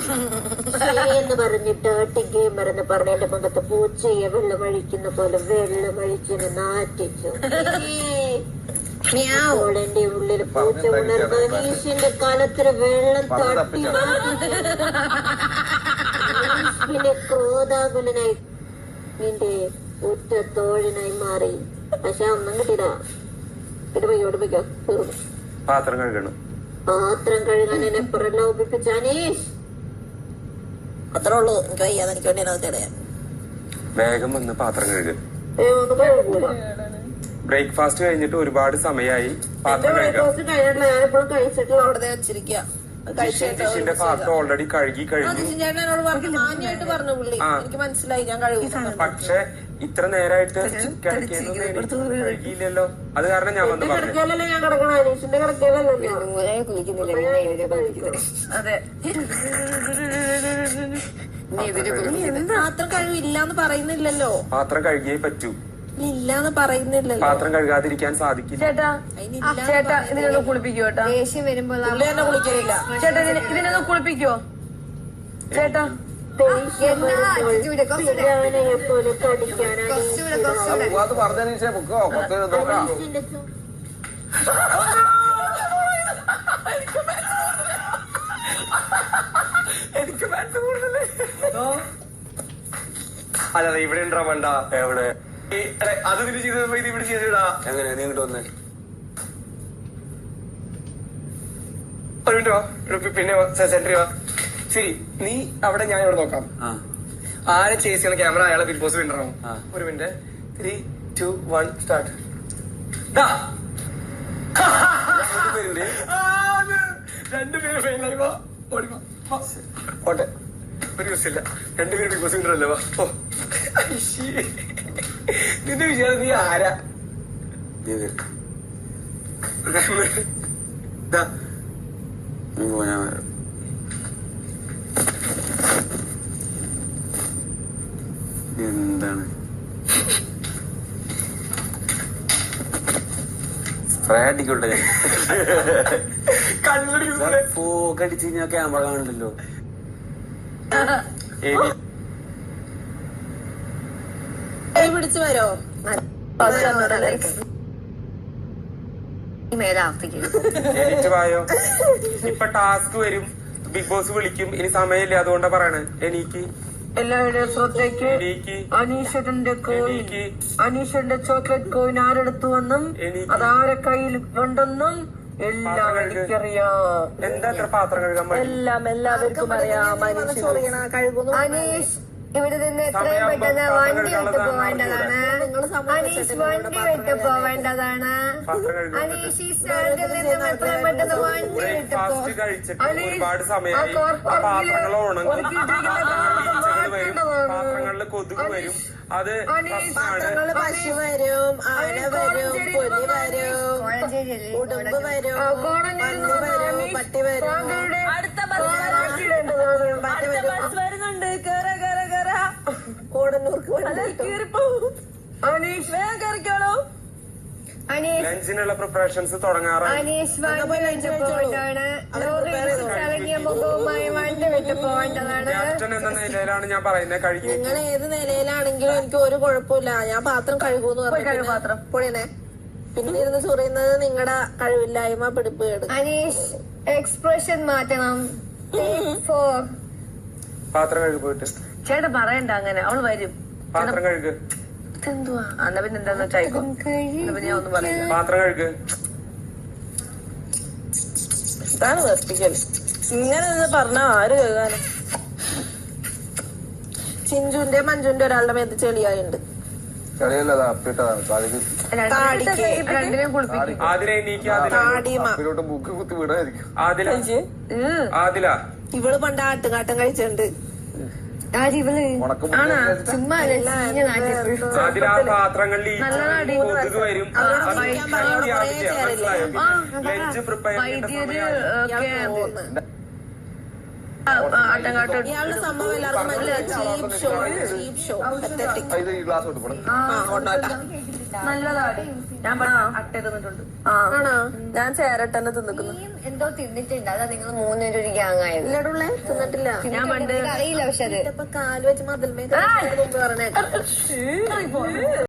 എന്ന് പറഞ്ഞിട്ട് ഗെയിമർ എന്ന് പറഞ്ഞ എന്റെ മുഖത്ത് പൂച്ചയെ വെള്ളമഴിക്കുന്ന പോലെ വെള്ളമഴിച്ചിന് നാറ്റിച്ചു. എന്റെ ഉള്ളിൽ പൂച്ച ഉണർന്ന് അനീഷിന്റെ കാലത്തിന് വെള്ളം തട്ടി പിന്നെ ക്രോധാകുലനായി നിന്റെ ഉറ്റ തോഴനായി മാറി. പക്ഷെ ഒന്നും കിട്ടില്ല. ഇടുമ്പോഴോ തീർന്നു. പാത്രം കഴുകണം. പാത്രം കഴുകാൻ എന്നെ പ്രലോഭിപ്പിച്ച അനീഷ്. അത്രേ ഉള്ളൂ. എനിക്ക് വയ്യാതെ എനിക്ക് വേണ്ടി അതിനിടയാ. വേഗം വന്ന് പാത്രം കഴുകുക. ബ്രേക്ക്ഫാസ്റ്റ് കഴിഞ്ഞിട്ട് ഒരുപാട് സമയമായി. പാത്രം ഞാനിപ്പോഴും കഴിച്ചിട്ടുള്ള അവിടെ വെച്ചിരിക്കുക. ഡിഷിന്റെ പാത്രം ഓൾറെഡി കഴുകി കഴിഞ്ഞു. എനിക്ക് മനസ്സിലായി ഞാൻ കഴുകും. പക്ഷെ ഇത്ര നേരമായിട്ട് കഴുകിയില്ലല്ലോ. അത് കാരണം ഞാൻ വന്ന് പറഞ്ഞു. ഞാൻ കിടക്കണ അനീഷിന്റെ കിടക്കലല്ലോ. അതെ. പാത്രം കഴിവില്ലാന്ന് പറയുന്നില്ലല്ലോ. പാത്രം കഴുകിയേ പറ്റൂ. ഇല്ലാന്ന് പറയുന്നില്ലല്ലോ. പാത്രം കഴുകാതിരിക്കാൻ സാധിക്കില്ല. ചേട്ടാ ഇതിനൊന്ന് കുളിപ്പിക്കോ ചേട്ടാ. ദേഷ്യം വരുമ്പോ കുളിക്കില്ല ചേട്ടാ. ഇതിനൊന്ന് കുളിപ്പിക്കോ ചേട്ടാ. അല്ല ഇവിടെ ഉണ്ടാ വേണ്ട. എവിടെ അത് തിരി ചെയ്ത് ഇത് ഇവിടെ ചെയ്തിടാ. എങ്ങനെ നീ ഇങ്ങോട്ട് വന്നേ. ഒരു മിനിറ്റ് വാ. പിന്നെ സെന്ററി വാ. ശരി, നീ അവിടെ, ഞാൻ ഇവിടെ നോക്കാം. ആരെ ചേസ് ചെയ്യണ ക്യാമറ അയാളെ ബിഗ് ബോസ് വിന്നറാവും. ഒരു മിനിറ്റ്. 3, 2, 1 സ്റ്റാർട്ട്. രണ്ടുപേര് ഫെയിലായി. വാ ഓടിവാ. ഓട്ടെ, ഒരു ദിവസമില്ല. രണ്ടുപേരും ബിഗ് ബോസ് വിന്നറല്ലേ. വാ. ഓ നിന്റെ വിചാരം നീ ആരാ? എന്താണ് സ്പ്രേ അടിക്കോട്ടെ. പോക്കടിച്ച് കഴിഞ്ഞാൽ ക്യാമറ കാണില്ലല്ലോ. പിടിച്ചു വരോ? എനിക്ക് വായോ. ഇപ്പൊ ടാസ്ക് വരും, ബിഗ് ബോസ് വിളിക്കും. ഇനി സമയമില്ല, അതുകൊണ്ടാ പറയണേ. എനിക്ക് എല്ലാവരുടെയും ശ്രദ്ധയ്ക്ക് അനീഷന്റെ കോയിൻ, അനീഷന്റെ ചോക്ലേറ്റ് കോയിൻ ആരെടുത്തു വന്നും അതാരെ കയ്യിൽ ഉണ്ടെന്നും എല്ലാം എനിക്കറിയാം. എന്താ അത്ര പാത്രം കഴുകാൻ? എല്ലാം എല്ലാവർക്കും അറിയാം. അനീഷ് ഇവിടെ നിന്ന് എത്രയും പെട്ടെന്ന് വണ്ടി വിട്ട് പോവേണ്ടതാണ്. അനീഷ് വണ്ടി വിട്ട് പോവേണ്ടതാണ്. അനീഷ് ഈ സ്ഥലത്തിൽ നിന്നും എത്രയും പെട്ടെന്ന് വണ്ടി വിട്ട് ഒരുപാട് സമയമായി. പാത്രങ്ങൾ ഉണങ്ങും, വരും, പാത്രങ്ങളിൽ കൊതുക് വരും. അത് പാത്രങ്ങള് പശു വരും, ആന വരും, പുലി വരും, ഉടുമ്പ് വരും, പന്നി വരും, പട്ടി വരും. അടുത്ത ബസ് വരുന്നുണ്ട്. കോടന്നൂർക്ക് അനീഷ് വേഗം കയറിക്കോളൂ. ലഞ്ചിനുള്ള പ്രിപ്പറേഷൻസ് തുടങ്ങാറാണ്. അനീഷ് വണ്ടി വിട്ട് പോകേണ്ടതാണ്. ചളങ്ങിയ മുഖവുമായി വണ്ടി വിട്ട് പോകേണ്ടതാണ്. ക്യാപ്റ്റൻ എന്ന നിലയിലാണ് ഞാൻ പറയുന്നത്. കഴുകി നിങ്ങൾ ഏത് നിലയിലാണെങ്കിലും എനിക്ക് ഒരു കുഴപ്പമില്ല. ഞാൻ പാത്രം കഴുകൂന്ന് പറഞ്ഞു. പാത്രം പൊളിയണേ. പിന്നെ ഇരുന്ന് ചൊറിയുന്നത് നിങ്ങളുടെ കഴിവില്ലായ്മ, പിടിപ്പുകേട്. അനീഷ് എക്സ്പ്രഷൻ മാറ്റണം. പാത്രം കഴുകി പോയിട്ട് ചേട്ടാ പറയണ്ട അങ്ങനെ. അവള് വരും. പാത്രം കഴുകു. എന്തുവാ അന്ന പിന്നെ എന്താന്ന് വെച്ചായിക്കോ. പിന്നെ ഞാൻ ഒന്നും പറയാം. പാത്രം കഴുകു. ഇതാണ് വെറുപ്പിക്കൽ. ഇങ്ങനെ നിന്ന് പറഞ്ഞ ആര് കഴുകാനും. ചിഞ്ചുന്റെ മഞ്ജുന്റെ ഒരാളുടെ മേത്ത് ചെളിയായുണ്ട്. രണ്ടിനെയും കുളിപ്പിക്കും. ഇവള് പണ്ട് ആട്ടുകാട്ടം കഴിച്ചിട്ടുണ്ട്. പാത്രങ്ങളിൽ കൊതുക് വരും. ലഞ്ച് പ്രിപ്പയർ ആട്ടങ്കാട്ടോ ഇയാളുടെ സംഭവം എല്ലാവർക്കും മനസ്സിലായി. Cheap show pathetic. ഇത് ഈ ഗ്ലാസ് കൊണ്ട് പോണം. നല്ലതാണ്. ഞാൻ അട്ട തിന്നിട്ടുണ്ട്. ആണോ? ഞാൻ ചേരട്ടന്നെ തിന്നിക്കുന്നു. എന്തോ തിന്നിട്ടുണ്ട്. അതാ നിങ്ങൾ മൂന്നുപേരും ഒരു ഗ്യാങ് ആയത്. ഇല്ലടുള്ളേ തിന്നിട്ടില്ല. ഞാൻ പണ്ട് അറിയില്ല. പക്ഷെ അത് കാല് വെച്ച് മതിൽമേ പറഞ്ഞേക്കാം.